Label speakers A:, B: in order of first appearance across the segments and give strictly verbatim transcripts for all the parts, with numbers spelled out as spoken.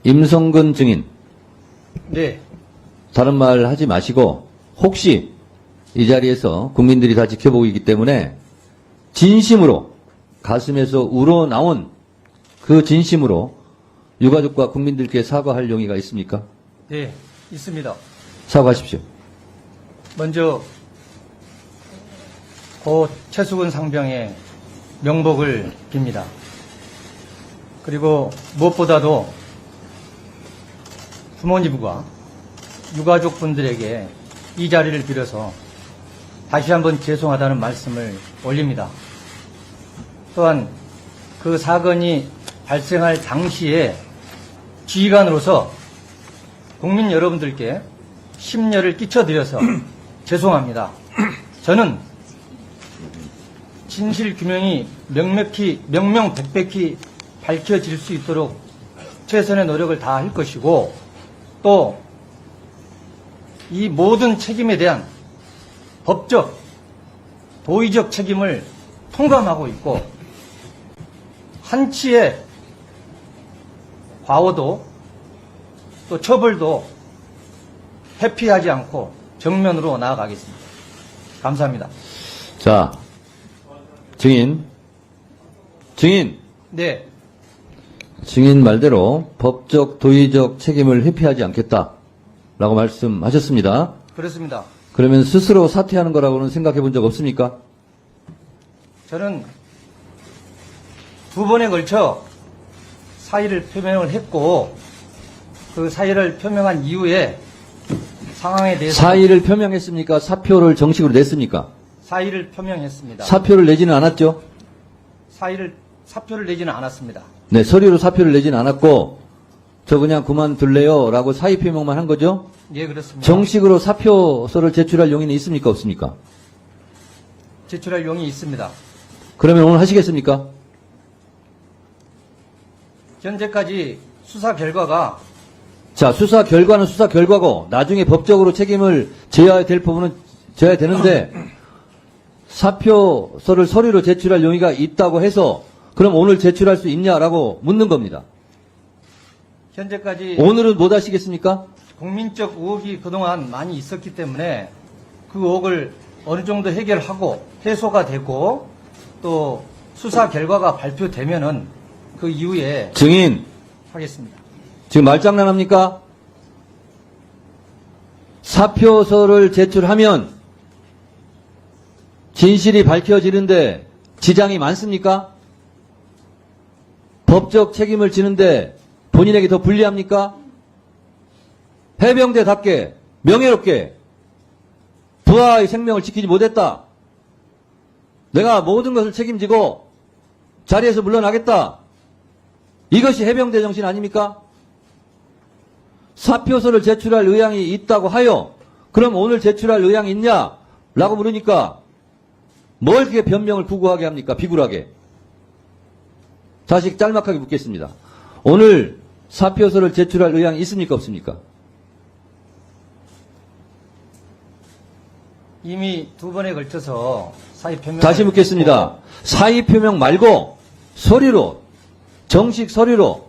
A: 임성근 증인.
B: 네.
A: 다른 말 하지 마시고 혹시 이 자리에서 국민들이 다 지켜보고 있기 때문에 진심으로 가슴에서 우러나온 그 진심으로 유가족과 국민들께 사과할 용의가 있습니까?
B: 네, 있습니다.
A: 사과하십시오.
B: 먼저 고 최수근 상병의 명복을 빕니다. 그리고 무엇보다도 부모님과 유가족분들에게 이 자리를 빌어서 다시 한번 죄송하다는 말씀을 올립니다. 또한 그 사건이 발생할 당시에 지휘관으로서 국민 여러분들께 심려를 끼쳐드려서 죄송합니다. 저는 진실 규명이 명백히, 명명백백히 밝혀질 수 있도록 최선의 노력을 다할 것이고 또 이 모든 책임에 대한 법적, 도의적 책임을 통감하고 있고 한치의 과오도 또 처벌도 회피하지 않고 정면으로 나아가겠습니다. 감사합니다.
A: 자, 증인. 증인.
B: 네,
A: 증인 말대로 법적, 도의적 책임을 회피하지 않겠다라고 말씀하셨습니다.
B: 그렇습니다.
A: 그러면 스스로 사퇴하는 거라고는 생각해 본 적 없습니까?
B: 저는 두 번에 걸쳐 사의를 표명을 했고 그 사의를 표명한 이후에 상황에 대해서
A: 사의를 표명했습니까? 사표를 정식으로 냈습니까?
B: 사의를 표명했습니다.
A: 사표를 내지는 않았죠?
B: 사의를 사표를 내지는 않았습니다.
A: 네, 서류로 사표를 내지는 않았고 저 그냥 그만둘래요 라고 사의 표명만 한 거죠?
B: 예, 그렇습니다.
A: 정식으로 사표서를 제출할 용의는 있습니까? 없습니까?
B: 제출할 용이 있습니다.
A: 그러면 오늘 하시겠습니까?
B: 현재까지 수사 결과가
A: 자, 수사 결과는 수사 결과고 나중에 법적으로 책임을 져야 될 부분은 져야 되는데 사표서를 서류로 제출할 용의가 있다고 해서 그럼 오늘 제출할 수 있냐라고 묻는 겁니다.
B: 현재까지
A: 오늘은 못 하시겠습니까?
B: 국민적 의혹이 그동안 많이 있었기 때문에 그 의혹을 어느 정도 해결하고 해소가 되고 또 수사 결과가 발표되면은 그 이후에
A: 증인,
B: 하겠습니다.
A: 지금 말장난합니까? 사표서를 제출하면 진실이 밝혀지는데 지장이 많습니까? 법적 책임을 지는데 본인에게 더 불리합니까? 해병대답게 명예롭게 부하의 생명을 지키지 못했다. 내가 모든 것을 책임지고 자리에서 물러나겠다. 이것이 해병대 정신 아닙니까? 사표서를 제출할 의향이 있다고 하여 그럼 오늘 제출할 의향이 있냐? 라고 물으니까 뭘 그렇게 변명을 구구하게 합니까? 비굴하게. 다시 짤막하게 묻겠습니다. 오늘 사표서를 제출할 의향이 있습니까? 없습니까?
B: 이미 두 번에 걸쳐서 사의 표명
A: 다시 묻겠습니다. 사의 표명 말고 서류로 정식 서류로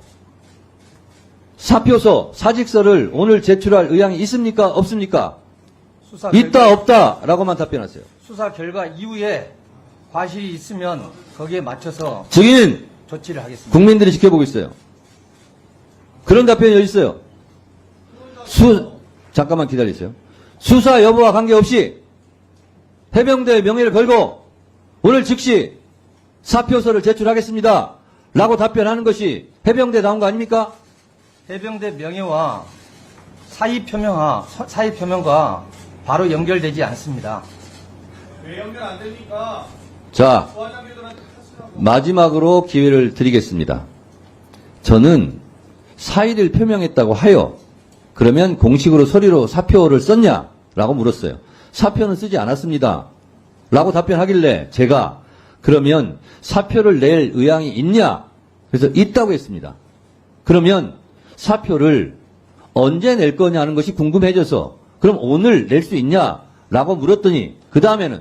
A: 사표서 사직서를 오늘 제출할 의향이 있습니까? 없습니까?
B: 수사
A: 있다
B: 결과,
A: 없다라고만 답변하세요.
B: 수사 결과 이후에 과실이 있으면 거기에 맞춰서
A: 증인
B: 조치를 하겠습니다.
A: 국민들이 지켜보고 있어요. 그런 답변이 어디 있어요? 수 잠깐만 기다리세요. 수사 여부와 관계없이 해병대의 명예를 걸고 오늘 즉시 사표서를 제출하겠습니다. 라고 답변하는 것이 해병대다운 거 아닙니까?
B: 해병대 명예와 사의 표명과 사의 표명과 바로 연결되지 않습니다.
C: 왜 연결 안 됩니까?
A: 자,
C: 부하장님들한테 하시라고.
A: 마지막으로 기회를 드리겠습니다. 저는 사의를 표명했다고 하여 그러면 공식으로 서류로 사표를 썼냐? 라고 물었어요. 사표는 쓰지 않았습니다. 라고 답변하길래 제가 그러면 사표를 낼 의향이 있냐? 그래서 있다고 했습니다. 그러면 사표를 언제 낼 거냐는 것이 궁금해져서 그럼 오늘 낼 수 있냐? 라고 물었더니 그 다음에는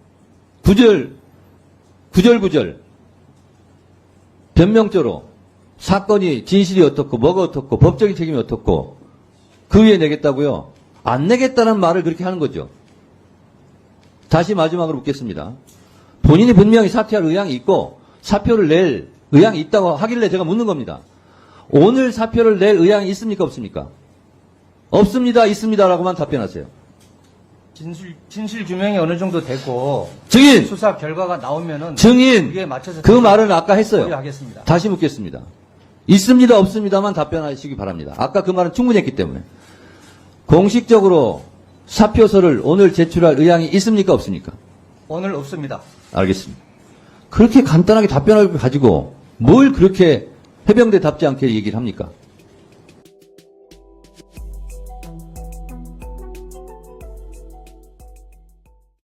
A: 구절, 구절구절 변명조로 사건이 진실이 어떻고 뭐가 어떻고 법적인 책임이 어떻고 그 위에 내겠다고요? 안 내겠다는 말을 그렇게 하는 거죠. 다시 마지막으로 묻겠습니다. 본인이 분명히 사퇴할 의향이 있고 사표를 낼 의향이 있다고 하길래 제가 묻는 겁니다. 오늘 사표를 낼 의향이 있습니까 없습니까? 없습니다 있습니다라고만 답변하세요.
B: 진실, 진실 규명이 어느 정도 되고
A: 증인!
B: 수사 결과가 나오면은
A: 증인!
B: 그에 맞춰서
A: 그 말은 아까 했어요.
B: 하겠습니다.
A: 다시 묻겠습니다. 있습니다 없습니다만 답변하시기 바랍니다. 아까 그 말은 충분히 했기 때문에. 공식적으로 사표서를 오늘 제출할 의향이 있습니까 없습니까?
B: 오늘 없습니다.
A: 알겠습니다. 그렇게 간단하게 답변을 가지고 뭘 그렇게 해병대답지 않게 얘기를 합니까?